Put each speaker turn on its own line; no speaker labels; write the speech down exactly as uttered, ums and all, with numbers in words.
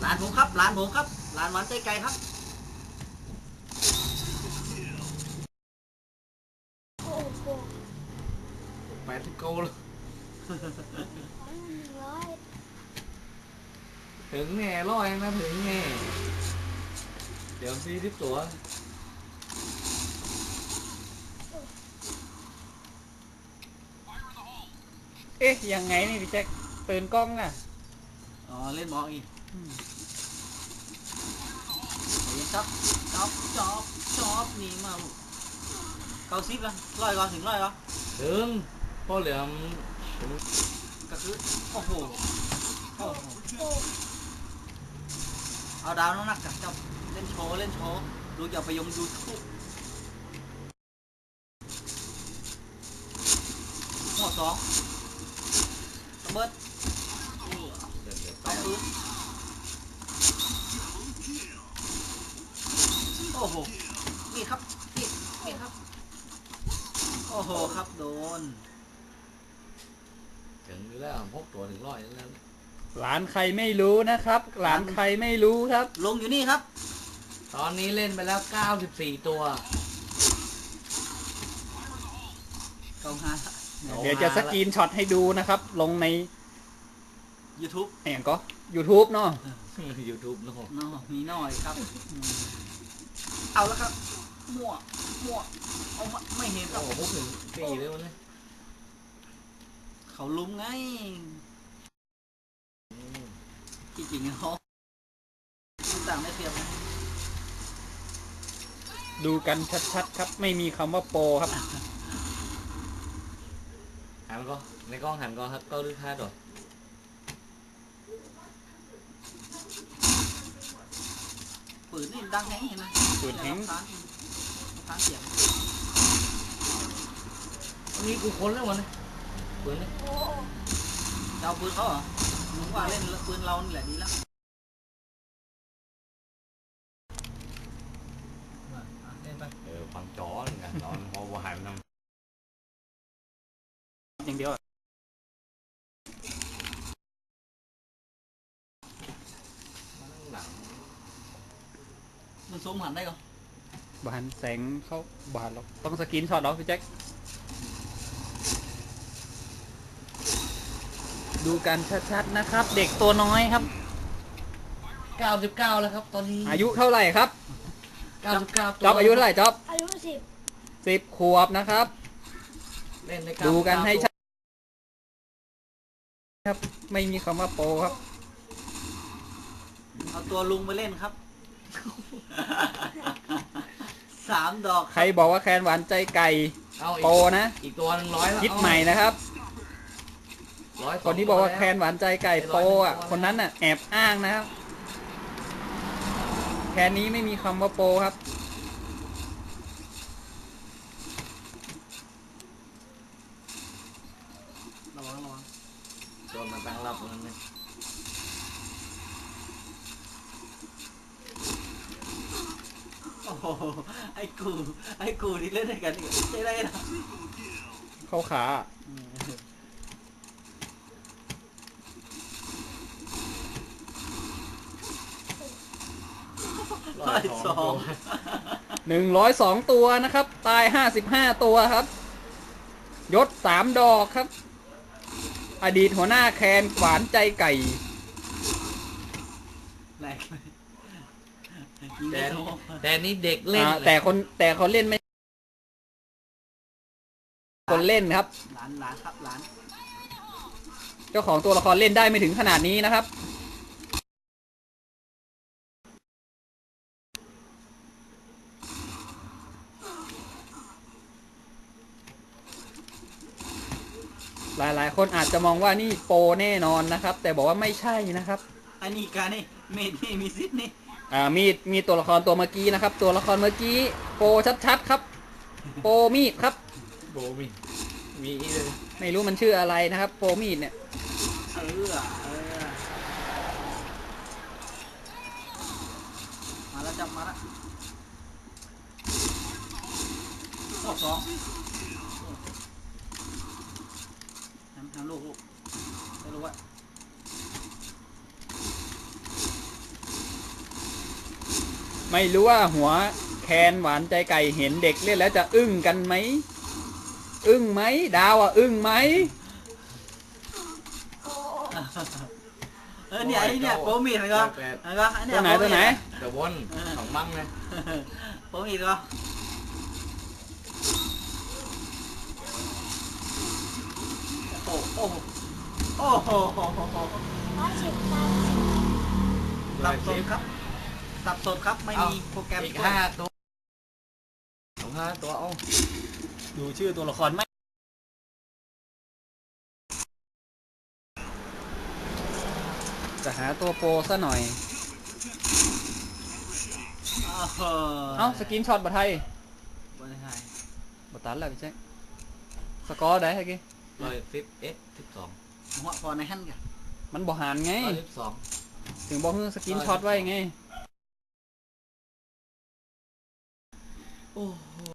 ลานผมครับหลานผมครับหลานหวานใจไก่ครับ
แปดสิบโกเลยถึงแง่ร้อยนะถึงแง่เดี๋ยวซีที่ตัว
เอ๊ะยังไงนี่พี่แจ็คตื่นกล้องอ่ะ
อ๋อเล่นบอลอีกเห็นครับจอบจอบจอบนี่มาลูกเก้าสิบละร้อยก่อนถึงร้อยก่อน
ถึงพ่อเหลือม
ก็คือโอ้โหโอ้โหเอาดาวน้องนักกับเจ้าเล่นโชว์เล่นโชว์ดูอย่าไปยงยูทูบหมดสองระเบิดเอาปืนโอ้โหนี่ครับนี่นี่ครับโอ้โหครับโดน
ถึงอยู่แล้วพกตัวถึงร้อยแล้ว
หลานใครไม่รู้นะครับหลานใครไม่รู้ครับ
ลงอยู่นี่ครับ
ตอนนี้เล่นไปแล้วเก้าสิบสี่ตัว
เก้าห้า
เดี๋ยวจะสกรีนช็อตให้ดูนะครับลงใน
YouTube
แองก็ YouTube เนาะ
YouTube เนาะ
เนาะมีหน่อยครับเอาแล้วครับมั่วมั่วเอาไม่เห็นครับ
โอ้โหถึงสี่เลยวันนี้
เขาลุ้มไงจริงๆเขาต่างไม่เทียบนะ
ดูกันชัดๆครับไม่มีคำว่าโปรครับ
หันก็ในกล้องหันก็ครับก็ลึกท่าดอก
ปืนนี่ดังแห้งเห็นไหม
ปืนแห้ง
ทานเสียง
นี่กูค้นแล้ววันนี้ปืนนี่
เจ้าปืนเขาเหรอหนูว่าเล่นปืนเรานี่แหละดีแล้ว
เออฟังจอเหมือนกันตอนพอหันนำ
อย่างเดียว
มันซูมหันได้ก่อน
บานแสงเข้าบานเราต้องสกรีนช็อตเหรอพี่แจ็คดูกันชัดๆนะครับเด็กตัวน้อยครับ
เก้าสิบเก้าแล้วครับตอนนี้
อายุเท่าไหร่ครับ
เก้าสิบเก้า
จ๊อบอายุเท่าไหร่จ๊อบ
อายุสิบ
สิบขวบนะครับ
เล่นใน
ดูกันให้ชัดครับไม่มีคำว่าโปรครับ
เอาตัวลุงไปเล่นครับสามดอก
ใครบอกว่าแคนหวานใจไก่โปรนะ
อีกตัวหนึ่งร้อยแล้ว
คิดใหม่นะครับคนที่บอกว่าแคนหวานใจไก่โปรอ่ะคนนั้นน่ะแอบอ้างนะครับแคนนี้ไม่มีคำว่าโปรครับ
ระวังระวัง
โดนมันตั้งรับมันเลย
โอ้โหไอ้กูไอ้กูที่เล่นด้วยกันอีกใช่ได้หรอ
เข้าขา
ร้อยสอง
หนึ่งร้อยสองตัวนะครับตายห้าสิบห้าตัวครับยศสามดอกครับอดีตหัวหน้าแคนหวานใจไก่
แรง
แต่แต่นี่เด็กเล่น
แต่คนแต่เขาเล่นไม่คนเล่นครับ
หลานหลานครับหลาน
เจ้าของตัวละครเล่นได้ไม่ถึงขนาดนี้นะครับหลายๆคนอาจจะมองว่านี่โปรแน่นอนนะครับแต่บอกว่าไม่ใช่นะครับ
อันนี้การนี่เมดนี่มีซิดนี่
อ่ามีดมีตัวละครตัวเมื่อกี้นะครับตัวละครเมื่อกี้โปรชัดๆครับโปรมีดครับ
โปรมีดมีเลย
ไม่รู้มันชื่ออะไรนะครับโปรมีดเนี่ย
เออเออมาแล้วจับมาแล้วข้อสองทำทำลูกลูกไม่รู้ว่า
ไม่รู้ว่าหัวแคนหวานใจไก่เห็นเด็กเล่นแล้วจะอึ้งกันไหมอึ้งไหมดาวอ่ะอึ้งไหม
เออเนี่ยไอ้เนี่ยโปรมีดนะก็นะก็ไอ้เนี่ย
ตัวไหนตัวไหน
เดี๋ยววนสองบังเลย
โปรมีดก็โอ้โหโอ้โหโอ้โห
ร้อยสิบตัน
สับสนครับสับสนครับไม่มีโปรแกรม
อีกห้าตัวสองห้าตัวเอา
ดูชื่อตัวละครไหม
จะหาตัวโปรซะหน่อย
เอ
เอ้าสกินช็อตบัตไทย
บนไทย
บัตตันแล้วพี่แจ็คสกอร์ได้ไงกี้
ร้อยสิบเอ็ดสิบสอง
หัวพอในหั่นกัน
มันบ่หันไง
ร้อยสิบสอง
ถึงบอกให้สกินช็อตไว้ไง
โอ้